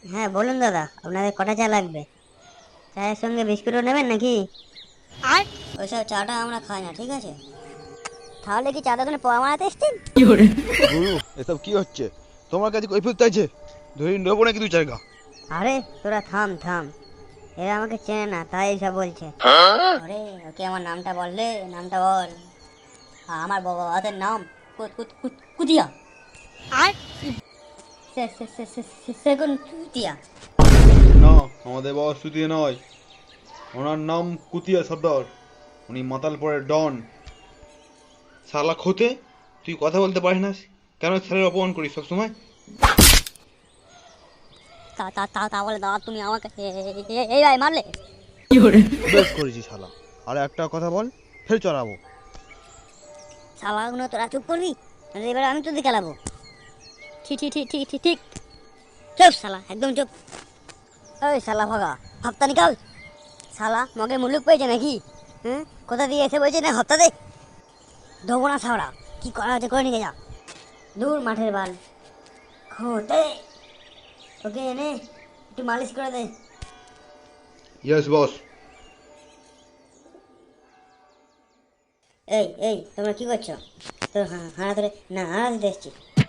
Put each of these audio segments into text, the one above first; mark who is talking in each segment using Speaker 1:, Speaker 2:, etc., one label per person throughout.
Speaker 1: হ্যাঁ বলুন দাদা, আপনাদের কটা চা লাগবে? চায়ের সঙ্গে বিস্কুটও নেবেন নাকি? আর ওইসব চাটা আমরা খাই না, ঠিক আছে? তাহলে কি চা দোকানে পোয়া মারাতে এসছেন?
Speaker 2: গুরু, এসব কি হচ্ছে? তোমার কাছে কৈফিয়ত চাইছে, ধরে নেবো নাকি দু জায়গা?
Speaker 1: আরে তোরা থাম থাম, এরা আমাকে চেনে না তাই এইসব বলছে। আরে ওকে আমার নামটা বললে, নামটা বল। আমার বাবার নাম কুতিয়া। আর সেগুন কুতিয়া।
Speaker 2: না, আমাদের বাবা সুতিয়ে নয়, ওনার নাম কুতিয়া সর্দার। উনি মাতালপুরের ডন। শালা খোতে, তুই কথা বলতে পারিস না? কেন স্যারের অপমান করিস সবসময়?
Speaker 1: তা তা তা তা বলে দাদা তুমি আমাকে এই ভাই মারলে?
Speaker 2: বেশ করেছিস শালা। আর একটা কথা বল, ফের চড়াবো।
Speaker 1: শালাগুলো তোরা চুপ করবি, নাহলে এবার আমি তোদের খেলাবো। ঠিক ঠিক ঠিক ঠিক ঠিক ঠিক। চুপ শালা, একদম চুপ। ওই শালা ভাগা, হপ্তা নিকাল। শালা মগে মুলুক পেয়েছে নাকি? হ্যাঁ, কোথা দিয়ে এসে বলছে না হপ্তা দে। দেবো না ছাওড়া, কি করা হচ্ছে করে নিয়ে যা। দূর মাঠের বাল খোতে। ওকে এনে একটু মালিশ করে দে।
Speaker 2: Yes boss.
Speaker 1: এই এই তোমরা কি করছো? তোর হানা ধরে না হানা দিতে এসছি।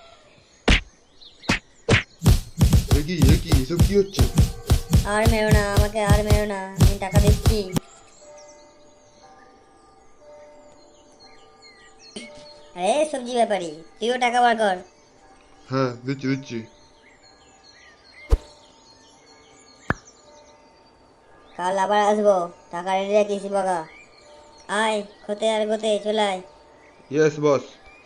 Speaker 2: এ কি এসব কি হচ্ছে?
Speaker 1: আর মেরো না আমাকে, আর মেরো না, আমি টাকা দিচ্ছি। আরে সবজি ব্যাপারী, তুইও টাকা বার কর।
Speaker 2: হ্যাঁ, দিচ্ছি দিচ্ছি।
Speaker 1: কাল আবার আসবো, টাকা রেডি রাখিস বাগা। আয় খোতে আর গোতে চলে আয়।
Speaker 2: Yes boss.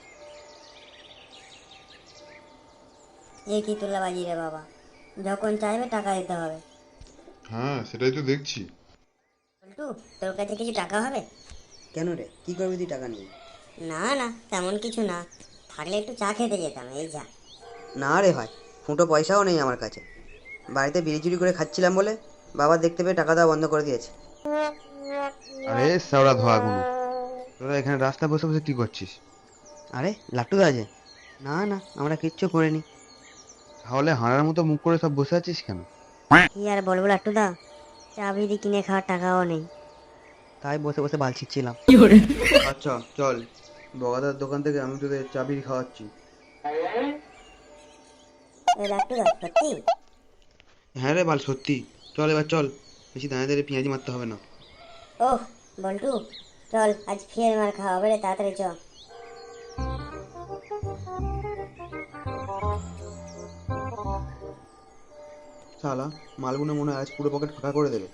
Speaker 1: এ কি তুলাবাজি রে বাবা, যখন চাইবে টাকা দিতে হবে।
Speaker 2: হ্যাঁ, সেটাই তো দেখছি।
Speaker 1: বল্টু, তোর কাছে কিছু টাকা হবে?
Speaker 3: কেন রে, কি করবি তুই টাকা নিয়ে?
Speaker 1: না না, তেমন কিছু না, থাকলে একটু চা খেতে যেতাম, এই যা।
Speaker 3: না রে ভাই, ফুটো পয়সাও নেই আমার কাছে। বাড়িতে বিড়ি চুরি করে খাচ্ছিলাম বলে বাবা দেখতে পেয়ে টাকা দেওয়া বন্ধ করে দিয়েছে।
Speaker 2: আরে শ্যাওড়া ধোয়াগুলো, তোরা এখানে রাস্তা বসে বসে কি করছিস?
Speaker 3: আরে লাট্টুদা আছে? না না, আমরা কিচ্ছু করিনি।
Speaker 2: তাহলে হাঁড়ার মতো মুখ করে সব বসে আছিস কেন?
Speaker 1: কি আর বলবো লাট্টুদা, চা বিড়ি কিনে খাওয়ার টাকাও নেই।
Speaker 3: তাই বসে বসে বাল ছিঁচ্ছিলাম।
Speaker 2: আচ্ছা চল, বগাদার দোকান থেকে আমি তোদের চাবি খাওয়াচ্ছি।
Speaker 1: এই লাট্টুদা সত্যি?
Speaker 2: হ্যাঁ রে বাল, সত্যি। চল এবার চল, বেশি দাঁড়িয়ে দাঁড়িয়ে পেঁয়াজি মারতে হবে না।
Speaker 1: ওহ বল্টু, চল আজ ফের মার খাওয়া হবে রে, তাড়াতাড়ি চ।
Speaker 2: শালা, মালগুনে মনে হয় আজ পুরো পকেট ফাঁকা করে দেবে।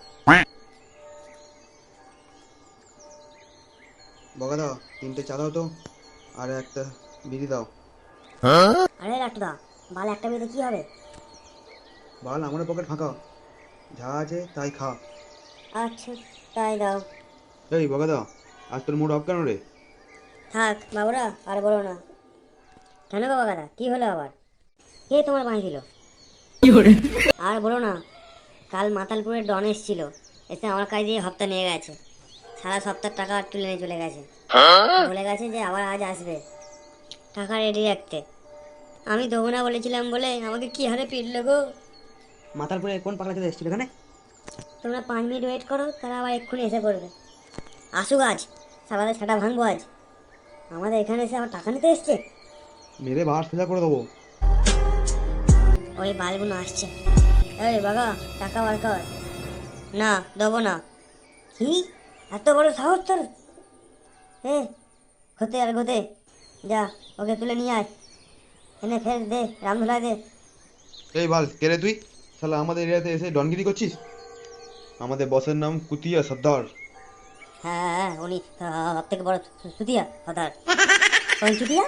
Speaker 2: বগাদা, তিনটে চা দাও তো, আর একটা বিড়ি দাও।
Speaker 1: আরে লাট্টুদা, বাল একটা বিয়েতে কি হবে?
Speaker 2: বাল, আমারও পকেট ফাঁকা, যা আছে তাই খা।
Speaker 1: আচ্ছা, তাই দাও।
Speaker 2: এই বগাদা, আজ তোর মুড অফ কেন রে?
Speaker 1: থাক বাবুরা, আর বলো না। কেন গো বাগাদা, কি হলো আবার? কে তোমার বাঁশ দিল? আর বলো না, কাল মাতালপুরের ডন এসেছিল, এসে আমার কাছ দিয়ে হপ্তা নিয়ে গেছে। সারা সপ্তাহ টাকা তুলে নিয়ে চলে গেছে। বলে গেছে যে আবার আজ আসবে, টাকা রেডি রাখতে। আমি দেবো না বলেছিলাম বলে আমাকে কি হারে পিটলো গো।
Speaker 3: মাতালপুরে কোন পাগলা চলে এসেছিল এখানে?
Speaker 1: তোমরা 5 মিনিট ওয়েট করো, তারা আবার এক্ষুনি এসে পড়বে। আসুক আজ, সারাদের ছাটা ভাঙবো আজ। আমাদের এখানে এসে আবার টাকা নিতে এসছে।
Speaker 2: মেরে বাস সোজা করে দেবো।
Speaker 1: ওই বালগুলো আসছে। এই বাবা, টাকা বার কর। না, দেবো না। কি, এত বড় সাহস তোর? এ হতে আর গোতে, যা ওকে তুলে নিয়ে আয়, এনে ফের দে, রামধুলাই দে।
Speaker 2: এই বাল, কে রে তুই? শালা আমাদের এরিয়াতে এসে ডনগিরি করছিস? আমাদের বসের নাম কুতিয়া সর্দার।
Speaker 1: হ্যাঁ হ্যাঁ, উনি সব থেকে বড় সুতিয়া হতার। কোন চুতিয়া?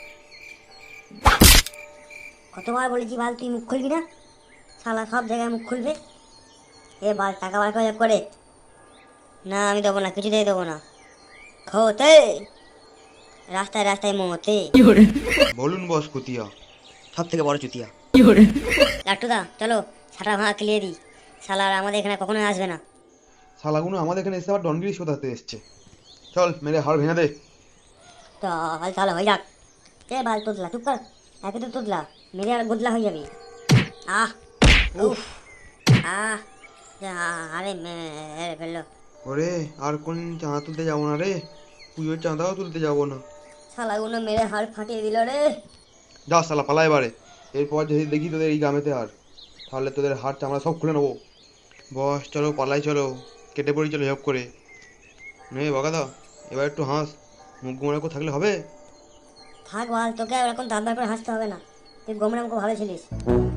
Speaker 1: কতবার বলেছি বাল তুই মুখ খুলবি না, শালা সব জায়গায় মুখ খুলবে। এ বাল, টাকা বার করে করে। না আমি দেবো না, কিছুতেই দেবো না। খোতে, রাস্তায় রাস্তায় মোমোতে।
Speaker 2: বলুন বস কুতিয়া।
Speaker 3: সব থেকে বড় চুতিয়া।
Speaker 1: লাট্টুদা চলো, ছাটা ভাঙা ক্লিয়ে দিই। শালা আর আমাদের এখানে কখনোই আসবে না।
Speaker 2: শালাগুলো আমাদের এখানে এসে আবার ডনগিরি শোধাতে এসছে। চল, মেরে হাড় ভেঙে দে।
Speaker 1: চল চলো হয়ে যাক। এ বাল তোদলা চুপ কর, একে তো তোদলা, মেরে আর গোদলা হয়ে যাবি। আহ, উফ আহ আরে মেরে ফেললো।
Speaker 2: ওরে আর কোন চাঁদা তুলতে যাবো না রে, পুজোর চাঁদাও তুলতে যাবো না।
Speaker 1: শালাগুলো মেরে হাড় ফাটিয়ে দিল রে।
Speaker 2: যা শালা পালা এবারে, এরপর যদি দেখি তোদের এই গ্রামেতে আর, তাহলে তোদের হাড় চামড়া সব খুলে নেবো। বস চলো পালাই, চলো কেটে পড়ি, চলো জব করে। নে বকাদা, এবার একটু হাস, মুখ গোমরা করে থাকলে হবে?
Speaker 1: থাক বল, তোকে আর এখন দাঁত বার করে হাসতে হবে না, তুই গোমরাম খুব ভালো ছিলিস।